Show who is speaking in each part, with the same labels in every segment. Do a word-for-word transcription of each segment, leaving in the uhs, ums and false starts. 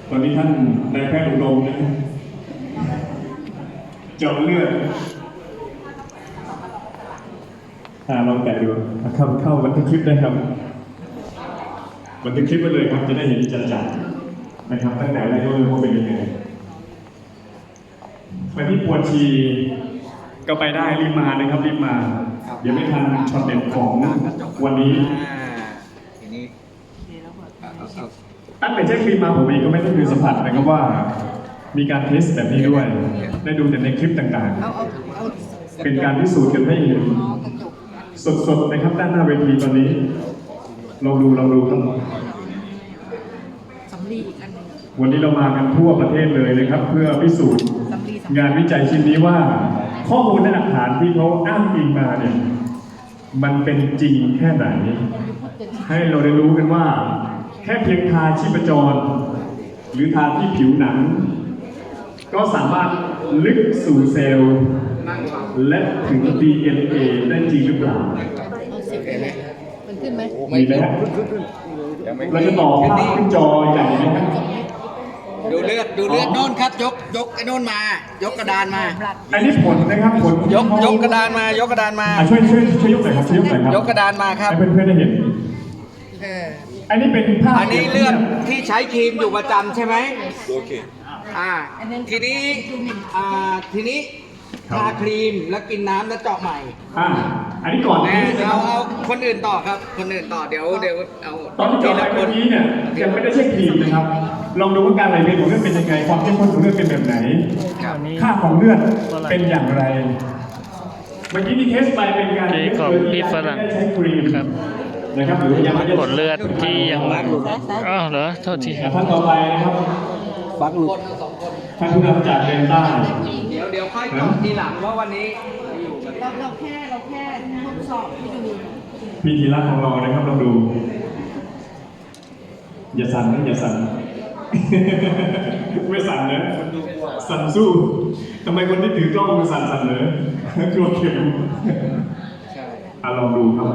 Speaker 1: ตอนนี้ท่านนายแพทย์อุดมนะเจาะเลือดอ่าลองแตะดูเข้าเข้าบันทึกคลิปได้ครับบันทึกคลิปไว้เลยครับจะได้เห็นจัดๆนะครับตั้งแต่แรกก็เลยว่าเป็นยังไงไปที่ปวดชีก็ไปได้รีบมานะครับรีบมาเดี๋ยวไม่ทันช็อตเด็ดของวันนี้
Speaker 2: ทีนี้
Speaker 1: ตั้งแต่เช็คคลิปมาผมเองก็ไม่ได้เคยสัมผัสนะครับว่ามีการเทสแบบนี้ด้วยได้ดูแต่ในคลิปต่างๆเป็นการพิสูจน์กันให้เห็นสดๆนะครับด้านหน้าเวทีตอนนี้ลองดูลองดูครับวันนี้เรามากันทั่วประเทศเลยนะครับเพื่อพิสูจน์งานวิจัยชิ้นนี้ว่าข้อมูลและหลักฐานที่เขาอ้างอิงมาเนี่ยมันเป็นจริงแค่ไหนให้เราได้รู้กันว่าแค่เพียงทาชีพจรหรือทาที่ผิวหนังก็สามารถลึกสู่เซลล์และถึง ดี เอ็น เอ ได้จริงหรือเปล่า
Speaker 3: มันขึ้นไหม
Speaker 1: มีไหมครับเราจะต่อภาพขึ้นจอใหญ่ไหมครับ
Speaker 2: ดูเลือดดูเลือดโน่นครับยกยกไอ้โน่นมายกกระดานมา
Speaker 1: อันนี้ผลนะครับผล
Speaker 2: ยกยกกระดานมายกกระดานมา
Speaker 1: ช่วยช่วยช่วยยกหน่อยครับช่วยยกหน่อยครับ
Speaker 2: ยกกระดานมาครับ
Speaker 1: ให้เพื่อนๆได้เห็นอันนี้เป็นภาพ
Speaker 2: อันนี้เลือดที่ใช้ครีมอยู่ประจำใช่ไหมโอเคอ่าทีนี้อ่าทีนี้ทาครีมแล้วกินน้ำแล้วเจาะใหม่
Speaker 1: อ่าอันนี้ก่อนนะ
Speaker 2: เอาเอาคนอื่นต่อครับคนอื่นต่อเดี๋ยวเดี๋ยวเอา
Speaker 1: ตอนที่เจาะไปเมื่อกี้เนี่ยยังไม่ได้ใช้ครีมนะครับลองดูว่าการไหลเวียนของเลือดเป็นยังไงความเข้มข้นของเลือดเป็นแบบไหนค่าของเลือดเป็นอย่างไรเมื่อกี้ที่เทสไปเป็นการ
Speaker 4: เทสของพี่ฝรั่ง
Speaker 1: ใช้ครีม
Speaker 4: ครับ
Speaker 1: นะครับหรือยังไม่ได้
Speaker 4: ผลเลือดที่ยังอ้าวเหรอโทษที
Speaker 1: ท่านต่อไปนะครับ
Speaker 2: บักหลุด
Speaker 1: ท่านผู้นำจากเดนต้า
Speaker 2: เดี๋ยวเดี๋ยวค่อยตอบทีหลังว่าวันนี้
Speaker 3: เราเราแค่เราแค่ทดสอบให้ดู
Speaker 1: พิธีรักของเรานะครับลองดูอย่าสั่นนะอย่าสั่นไม่สั่นนะสั่นสู้ทำไมคนที่ถือกล้องมันสั่นสั่นเลยกลัวเข็มอ่ะลองดูครับ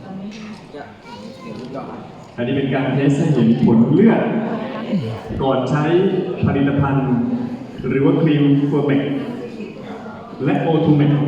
Speaker 1: อันนี้เป็นการเทสให้เห็นผลเลือดก่อนใช้ผลิตภัณฑ์หรือว่าครีมเฟอร์เมกและโอทูเมก